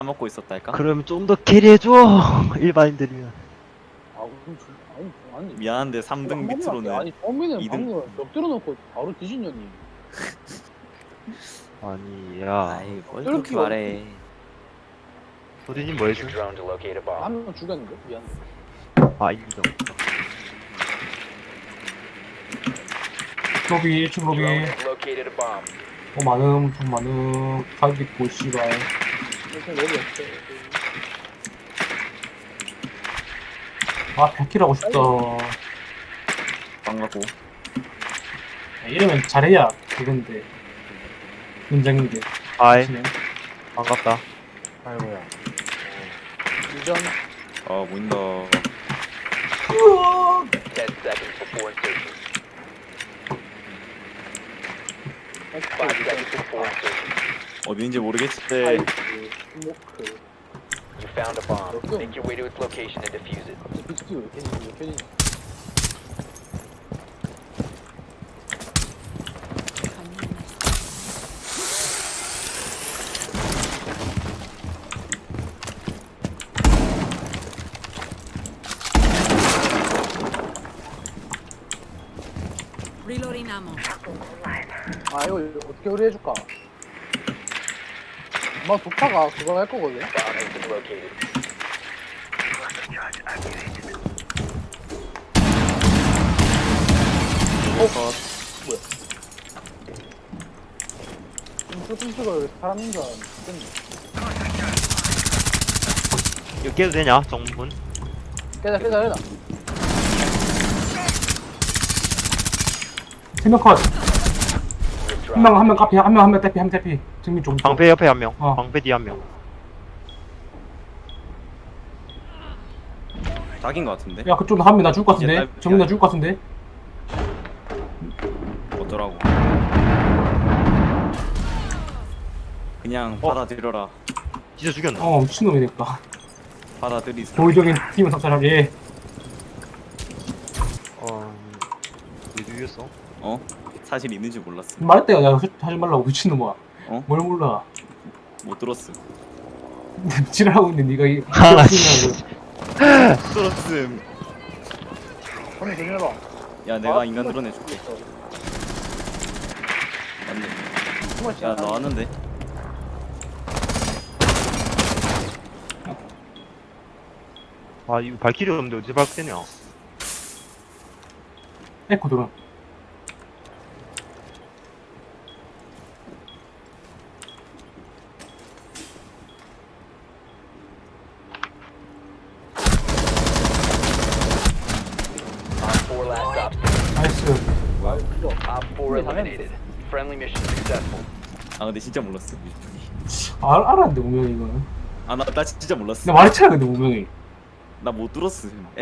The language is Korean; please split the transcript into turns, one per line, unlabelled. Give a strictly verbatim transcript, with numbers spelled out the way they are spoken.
먹고 있었달까?
그러면 좀 더 캐리해줘. 일반인들이면.
아 그럼 저, 아니 아니
미안한데 삼 등
한 번만 할게.
밑으로는
아니 처음에는
이 등.
방금 벽 들어놓고 바로 뒤진년이
아니 야
아이 뭘
이렇게
그렇게 말해.
소진이 뭐 했어?
Drone to locate a bomb.
한 명 죽였는데 미안해.
아 인정.
로비 일 층 로비.
Drone has located a bomb.
어 많음 돈 많음 가격 있고 씨발.
일단 여기 없어.
아 백 킬 하고 싶다.
반갑고.
야, 이러면 잘해야 그건데 문장인데.
아이
그치네.
반갑다.
아이고야. 유전
아 보인다.
Ten seconds before insertion.
엑스
Five seconds before insertion.
어딘지 모르겠지.
파이프 스모크
You found a bomb. Make your way to its location and defuse it.
갑자기 비스티 왜 켜지냐 왜 켜지냐.
Reloading ammo.
아 이거 어떻게 의뢰해줄까? 아마 도파가 그거 할 거거든.
Bomb has been located.
뚱뚱뚱가 사람인 줄 알았는데 죽겠네.
이거 깨도 되냐 정문?
깨자 깨자 깨자.
세명 컷.
Withdraw.
한 명 한 명 카피 한 명 한 명 대피 한 명 대피. 정민 좀.
방패 옆에 한 명.
어.
방패 뒤에 한 명.
딱인 것 같은데.
야 그쪽 한 명 나 죽을 것 같은데.
이제
정민 나 죽을 것 같은데.
어쩌라고. 그냥
어.
받아들여라.
진짜 죽였나?
어 미친놈이니까.
받아들이세요.
도의적인 팀을 섭취하게.
어. 왜 죽였어?
어? 사실 있는지 몰랐어.
말했다 야 하지 말라고 미친놈아.
어?
뭘 몰라.
못 들었음.
지랄하고 있는데 네가 이.
아, 씨.
못 들었음.
손이 조심해봐.
야 내가
아,
인간
정말
드러내줄게.
있어.
맞네.
정말
야
진짜
나왔는데.
아 이거 발키리 없는데 어디서 발키리냐?
에코 들어.
Op four last stop.
나이스.
Op four eliminated. Friendly mission successful.
아 근데 진짜 몰랐어.
아, 알았는데 분명히 이거는.
아나 나 진짜 몰랐어.
근데 말했잖아 근데 분명히.
나 못 들었음.